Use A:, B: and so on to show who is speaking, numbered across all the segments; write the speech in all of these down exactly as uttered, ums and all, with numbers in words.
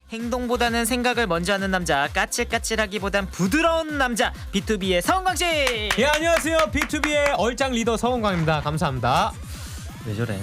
A: 행동보다는 생각을 먼저 하는 남자, 까칠까칠하기보단 부드러운 남자, 비투비의 서은광씨.
B: 예, 안녕하세요. 비투비의 얼짱 리더 서은광입니다. 감사합니다.
A: 왜 저래?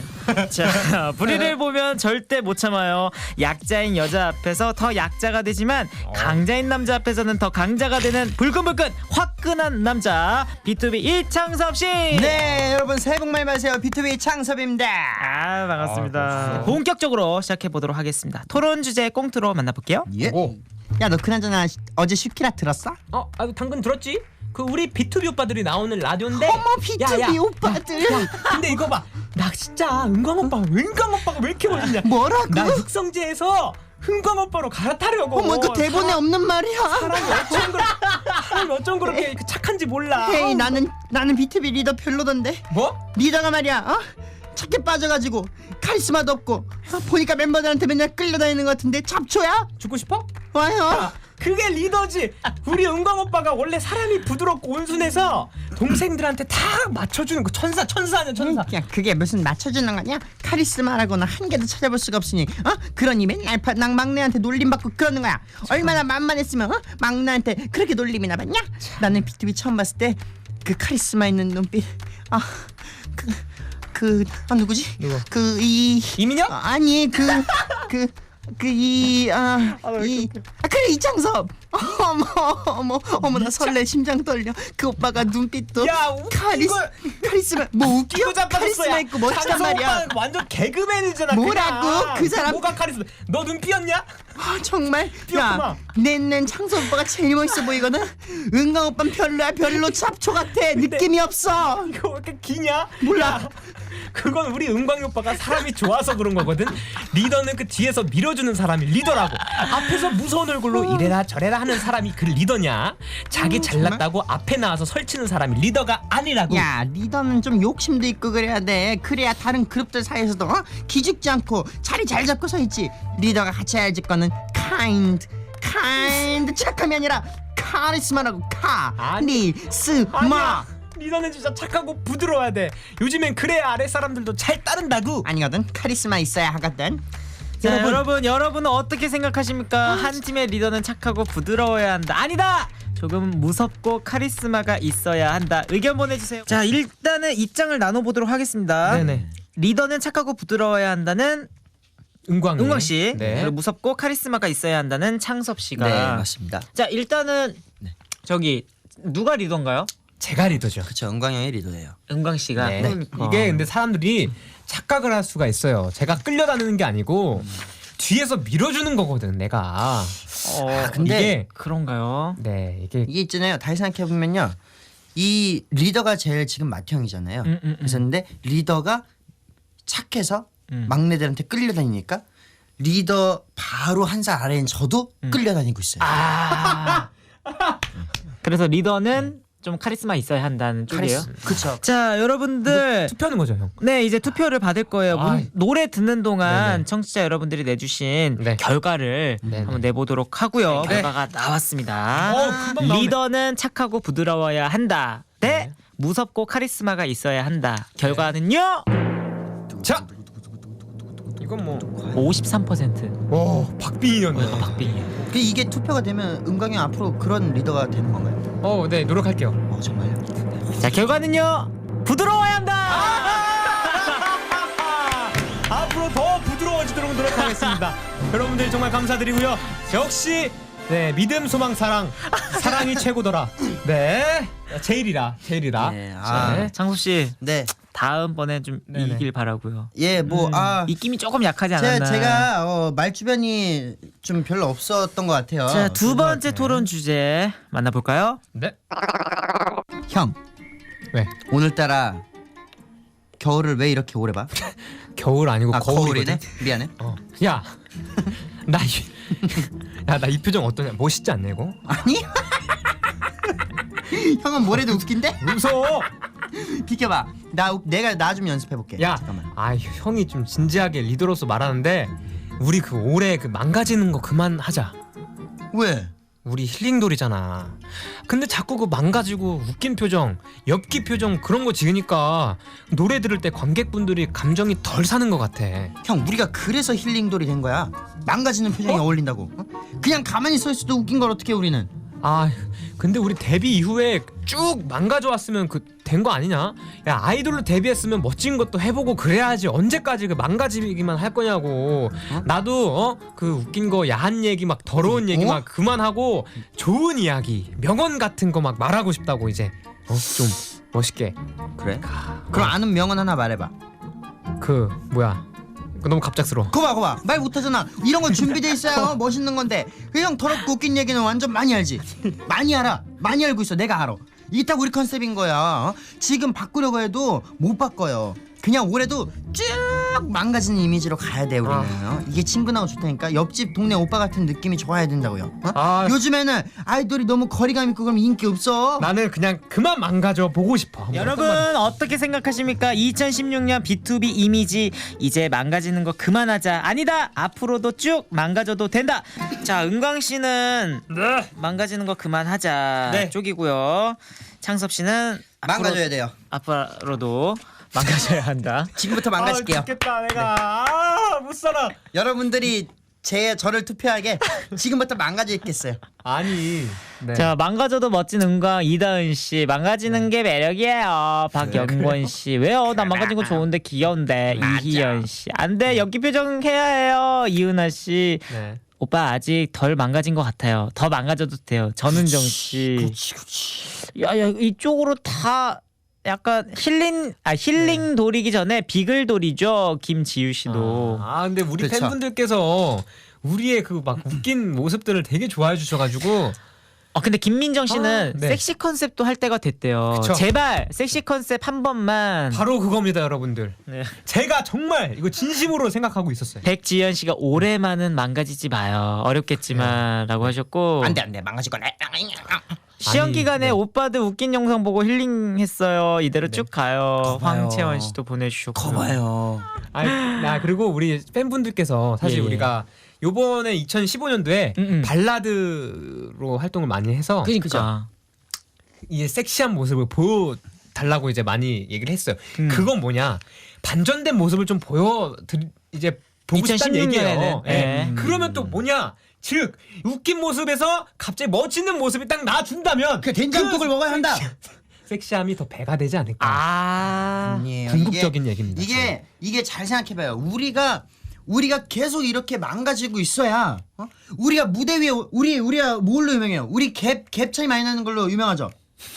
A: 자, 불의를 보면 절대 못 참아요. 약자인 여자 앞에서 더 약자가 되지만
B: 어.
A: 강자인 남자 앞에서는 더 강자가 되는 불끈불끈 화끈한 남자, 비투비 이창섭씨.
C: 네, 여러분 새해 복 많이 받으세요. 비투비 창섭입니다.
A: 아, 반갑습니다.
B: 아,
A: 본격적으로 시작해 보도록 하겠습니다. 토론 주제 꽁트로 만나볼게요.
C: 예.
B: 오.
C: 야, 너 그나저나 시- 어제 슈키라 들었어?
B: 어, 아, 당근 들었지? 그 우리 비투비 오빠들이 나오는 라디오인데.
C: 어머, 비투비 오빠들.
B: 야, 야, 근데 이거 봐. 나 진짜 은광 오빠, 은광 오빠가 왜 이렇게 멋있냐?
C: 뭐라고?
B: 나 육성재에서 은광 오빠로 갈아타려고.
C: 어머, 그 대본에
B: 사람-
C: 없는 말이야.
B: 사람이 어쩜 그렇게 사람이 어쩜 그렇게 그 착한지 몰라.
C: 헤이, 나는 나는 비투비 리더 별로던데.
B: 뭐?
C: 리더가 말이야, 어? 착해 빠져가지고 카리스마도 없고 어, 보니까 멤버들한테 맨날 끌려다니는 것 같은데 잡초야?
B: 죽고 싶어?
C: 와요.
B: 그게 리더지. 우리 은광 오빠가 원래 사람이 부드럽고 온순해서 동생들한테 다 맞춰주는 거. 천사 천사 아니야 천사.
C: 야, 그게 무슨 맞춰주는 거냐? 카리스마라고는 한 개도 찾아볼 수가 없으니, 어? 그러니 맨날 파- 난 막내한테 놀림받고 그러는 거야. 얼마나 만만했으면, 어? 막내한테 그렇게 놀림이나 받냐? 나는 비투비 처음 봤을 때 그 카리스마 있는 눈빛, 아, 그, 그, 아 누구지?
B: 누구?
C: 그 이,
B: 이민혁?
C: 어, 아니 그, 그. 그 이 아 이 아 그래 이창섭. 어머 어머 어머 나 설레 심장 떨려. 그 오빠가 눈빛도
B: 야, 웃-
C: 카리스
B: 이걸-
C: 카리스마 뭐 웃겨?
B: 이거 자빠졌어,
C: 카리스마
B: 야.
C: 있고 멋지단
B: 장성
C: 말이야.
B: 오빠는 완전 개그맨이잖아.
C: 뭐라고?
B: 그냥.
C: 그 사람-
B: 뭐가 카리스마? 너 눈 삐었냐?
C: 아, 정말
B: 삐었구만.
C: 야 낸낸 창섭 오빠가 제일 멋있어 보이거든. 은광 오빠는 별로야 별로 잡초 같아. 느낌이 없어.
B: 이거 왜 이렇게 기냐?
C: 몰라.
B: 야, 그건 우리 은광이 오빠가 사람이 좋아서 그런 거거든. 리더는 그 뒤에서 밀어주는 사람이 리더라고. 앞에서 무서운 얼굴로 이래라 저래라 하는 사람이 그 리더냐? 자기 잘났다고 앞에 나와서 설치는 사람이 리더가 아니라고.
C: 야 리더는 좀 욕심도 있고 그래야 돼. 그래야 다른 그룹들 사이에서도 어? 기죽지 않고 자리 잘 잡고 서 있지. 리더가 같이 해야지 거는 kind kind 착함이 아니라 카리스마라고. 카리스마.
B: 아니야. 리더는 진짜 착하고 부드러워야 돼. 요즘엔 그래야 아래 사람들도 잘 따른다고.
C: 아니거든. 카리스마 있어야 하거든.
A: 자,
B: 여러분.
A: 여러분, 여러분은 어떻게 생각하십니까? 한 팀의 리더는 착하고 부드러워야 한다. 아니다. 조금 무섭고 카리스마가 있어야 한다. 의견 보내주세요. 자, 일단은 입장을 나눠보도록 하겠습니다.
B: 네네.
A: 리더는 착하고 부드러워야 한다는
B: 은광이.
A: 은광 씨,
B: 네.
A: 그리고 무섭고 카리스마가 있어야 한다는 창섭 씨가.
C: 네 맞습니다.
A: 자, 일단은 저기 누가 리더인가요?
B: 제가 리더죠.
C: 그쵸 은광 형이 리더예요.
A: 은광 씨가.
B: 네.
A: 그러니까.
B: 이게 근데 사람들이 착각을 할 수가 있어요. 제가 끌려다니는 게 아니고 뒤에서 밀어주는 거거든, 내가.
A: 어,
C: 아, 근데
B: 이게
A: 그런가요?
B: 네 이게
C: 이게 있잖아요. 다시 생각해 보면요, 이 리더가 제일 지금 맏형이잖아요.
A: 음, 음, 음.
C: 그래서 근데 리더가 착해서
A: 음.
C: 막내들한테 끌려다니니까 리더 바로 한 살 아래인 저도 끌려다니고 있어요.
A: 아. 그래서 리더는 좀 카리스마 있어야 한다는 쪽이에요.
C: 그쵸.
A: 자, 여러분들.
B: 투표하는 거죠, 형.
A: 네, 이제 투표를 받을 거예요. 문-
B: 아이.
A: 노래 듣는 동안
B: 네네.
A: 청취자 여러분들이 내주신
B: 네.
A: 결과를
B: 네네.
A: 한번 내보도록 하고요.
B: 네.
A: 결과가 나왔습니다.
B: 어, 금방 나오네.
A: 리더는 착하고 부드러워야 한다. 대
B: 네.
A: 무섭고 카리스마가 있어야 한다. 결과는요?
B: 자, 이건 뭐,
A: 오십삼 퍼센트.
B: 오, 박빙이었네.
A: 박빙이에요.
C: 그 이게 투표가 되면 은광이 형 앞으로 그런 리더가 되는 건가요?
B: 어, 네, 노력할게요.
C: 어 정말요?
A: 자, 결과는요? 부드러워야 한다.
B: 앞으로 더 부드러워지도록 노력하겠습니다. 여러분들 정말 감사드리고요. 역시 네 믿음 소망 사랑 사랑이 최고더라. 네 제일이라 제일이라.
C: 네, 아.
B: 네.
A: 창섭 씨,
C: 네.
A: 다음번에 좀
B: 네네.
A: 이기길 바라고요.
C: 예, 뭐 아.
A: 입김이 조금 약하지
C: 제가,
A: 않았나.
C: 제가 어, 말 주변이 좀 별로 없었던 것 같아요.
A: 자, 두 번째
B: 같네.
A: 토론 주제 만나볼까요?
B: 네.
C: 형,
B: 왜?
C: 오늘따라 겨울을 왜 이렇게 오래 봐?
B: 겨울 아니고
C: 아
B: 거울이거든.
C: 거울이네. 미안해.
B: 어. 야, 나 이, 야, 나 이 표정 어떠냐? 멋있지 않냐 이거?
C: 아니? 형은 뭐래도 웃긴데?
B: 무서워.
C: 비켜봐. 나 우- 내가 나 좀 연습해 볼게.
B: 야,
C: 잠깐만.
B: 아 형이 좀 진지하게 리더로서 말하는데 우리 그 올해 그 망가지는 거 그만하자.
C: 왜?
B: 우리 힐링돌이잖아. 근데 자꾸 그 망가지고 웃긴 표정, 엽기 표정 그런 거 지으니까 노래 들을 때 관객분들이 감정이 덜 사는 것 같아.
C: 형 우리가 그래서 힐링돌이 된 거야. 망가지는 표정이 어? 어울린다고. 어? 그냥 가만히 서 있어도 웃긴 걸 어떻게 우리는.
B: 아 근데 우리 데뷔 이후에 쭉 망가져 왔으면 그 된 거 아니냐? 야 아이돌로 데뷔했으면 멋진 것도 해보고 그래야지 언제까지 그 망가지기만 할 거냐고. 어? 나도 어 그 웃긴 거 야한 얘기 막 더러운 얘기
C: 어?
B: 막 그만하고 좋은 이야기 명언 같은 거 막 말하고 싶다고 이제 어 좀 멋있게.
C: 그래? 그럼 아는 명언 하나 말해봐.
B: 그 뭐야? 그 너무 갑작스러워.
C: 거봐 거봐 말 못하잖아. 이런 건 준비돼 있어야 멋있는 건데 그 형 더럽고 웃긴 얘기는 완전 많이 알지. 많이 알아. 많이 알고 있어. 내가 알아. 이게 딱 우리 컨셉인 거야. 어? 지금 바꾸려고 해도 못 바꿔요. 그냥 올해도 쭉 망가지는 이미지로 가야 돼 우리는. 어? 이게 친근하고 좋다니까. 옆집 동네 오빠 같은 느낌이 좋아야 된다고요. 어?
B: 아.
C: 요즘에는 아이돌이 너무 거리감 있고 그럼 인기 없어.
B: 나는 그냥 그만 망가져 보고 싶어.
A: 여러분 어떻게 생각하십니까? 이천십육 년 비투비 이미지 이제 망가지는 거 그만하자. 아니다. 앞으로도 쭉 망가져도 된다. 자, 은광 씨는
B: 네.
A: 망가지는 거 그만하자
C: 네.
A: 쪽이고요. 창섭 씨는
C: 망가져야 돼요.
A: 앞으로도 망가져야 한다.
C: 지금부터 망가질게요.
B: 아, 죽겠다 내가. 아, 못 살아.
C: 여러분들이 제 저를 투표하게 지금부터 망가지겠어요.
B: 아니. 네.
A: 자, 망가져도 멋진 은광 이다은 씨. 망가지는 게 매력이에요. 박영권 씨. 왜요? 난 망가진 거 좋은데 귀여운데.
C: 맞아.
A: 이희연 씨. 안 돼. 연기 표정 해야 해요. 이은하 씨.
B: 네.
A: 오빠 아직 덜 망가진 것 같아요. 더 망가져도 돼요. 전은정 씨.
C: 그렇지 그렇지.
A: 야야 이쪽으로 다 약간 힐링 아 힐링 돌이기 전에 비글 돌이죠. 김지유 씨도.
B: 아, 아 근데 우리
C: 그쵸.
B: 팬분들께서 우리의 그 막 웃긴 모습들을 되게 좋아해 주셔가지고.
A: 어 근데 김민정 씨는
B: 아, 네.
A: 섹시 컨셉도 할 때가 됐대요.
B: 그쵸.
A: 제발 섹시 컨셉 한 번만.
B: 바로 그겁니다 여러분들.
A: 네.
B: 제가 정말 이거 진심으로 생각하고 있었어요.
A: 백지연 씨가 올해만은 망가지지 마요. 어렵겠지만라고 하셨고.
C: 안돼 안돼 망가질 거네.
A: 시험
B: 아니,
A: 기간에
B: 네.
A: 오빠들 웃긴 영상 보고 힐링했어요. 이대로 쭉 가요.
C: 거봐요.
A: 황채원 씨도 보내주셨고.
C: 거봐요.
B: 아니, 나 그리고 우리 팬분들께서 사실
A: 예, 예.
B: 우리가 요번에 이천십오 년도에
A: 음, 음.
B: 발라드로 활동을 많이 해서
A: 그러니까.
B: 이 섹시한 모습을 보여달라고 이제 많이 얘기를 했어요.
A: 음.
B: 그건 뭐냐 반전된 모습을 좀 보여 드 이제 보고 싶다는
A: 이천십육 년에는,
B: 얘기예요. 예.
A: 예.
B: 그러면 또 뭐냐 즉 웃긴 모습에서 갑자기 멋있는 모습이 딱 나와준다면
C: 그 된장국을 먹어야 한다.
B: 섹시함이 더 배가 되지 않을까.
A: 아.
C: 아니에요.
B: 궁극적인
C: 이게,
B: 얘기입니다.
C: 이게 이게 잘 생각해봐요. 우리가 우리가 계속 이렇게 망가지고 있어야 어? 우리가 무대 위에 우리 우리가 뭘로 유명해요? 우리 갭 갭 차이 많이 나는 걸로 유명하죠.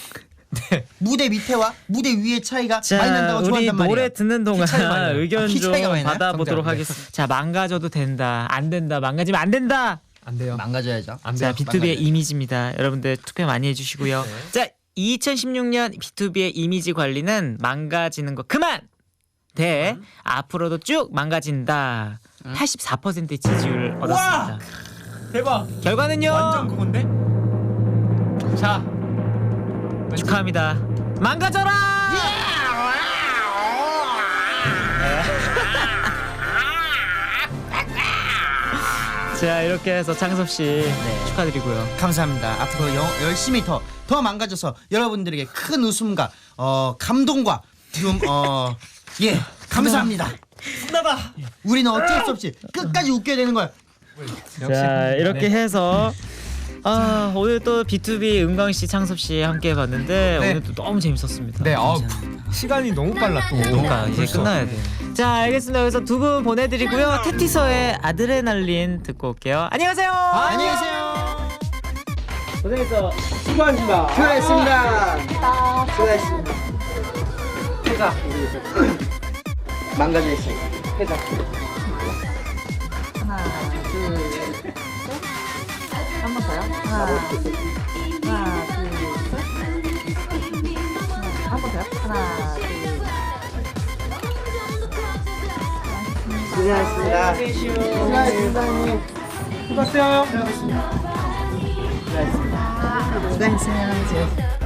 B: 네.
C: 무대 밑에와 무대 위의 차이가
A: 자,
C: 많이 난다고
A: 우리
C: 좋아한단 말이에요.
A: 노래 듣는 동안
B: 키 차이가 많이 나요.
A: 의견
C: 아, 키
A: 좀
C: 차이가 많이 나요?
A: 받아보도록
B: 성장.
A: 하겠습니다. 자, 망가져도 된다. 안 된다. 망가지면 안 된다.
B: 안 돼요.
C: 망가져야죠.
B: 안
A: 자,
B: 돼요.
A: 비투비의
C: 망가져요.
A: 이미지입니다. 여러분들 투표 많이 해주시고요.
B: 네.
A: 자, 이천십육 년 비투비의 이미지 관리는 망가지는 거 그만. 대
B: 음.
A: 앞으로도 쭉 망가진다. 팔십사 퍼센트의 지지율을 얻었습니다.
B: 대박.
A: 결과는요.
B: 완전 그건데. 자
A: 축하합니다. 망가져라. 자, 이렇게 해서 창섭 씨 축하드리고요.
C: 감사합니다. 앞으로 여, 열심히 더 더 망가져서 여러분들에게 큰 웃음과 어, 감동과 좀 어, 예 감사합니다.
B: 신나다.
C: 우리는 어쩔 수 없이 끝까지 웃겨야 되는 거야.
A: 자, 이렇게
B: 네.
A: 해서 아, 오늘 또 비투비 은광 씨, 창섭 씨 함께 해봤는데
B: 네.
A: 오늘 또 너무 재밌었습니다.
B: 네, 어, 시간이 너무 빨라 또.
A: 그러니까 이제
B: 벌써.
A: 끝나야 돼. 자, 알겠습니다. 여기서 두 분 보내드리고요. 테티서의 아드레날린 듣고 올게요. 안녕하세요.
C: 안녕히 계세요.
A: 고생했어.
C: 수고하셨습니다. 수고하셨습니다. 회사 망가져 있어요. 회사.
D: 하나, 둘, 셋. 한 번 더요. 하나, 하나, 둘, 셋. 한 번 더요. 하나, 둘.
C: 수고하셨습니다. 수고하셨습니다.
A: 수고하세요.
C: 수고하셨습니다. 수고하셨습니다.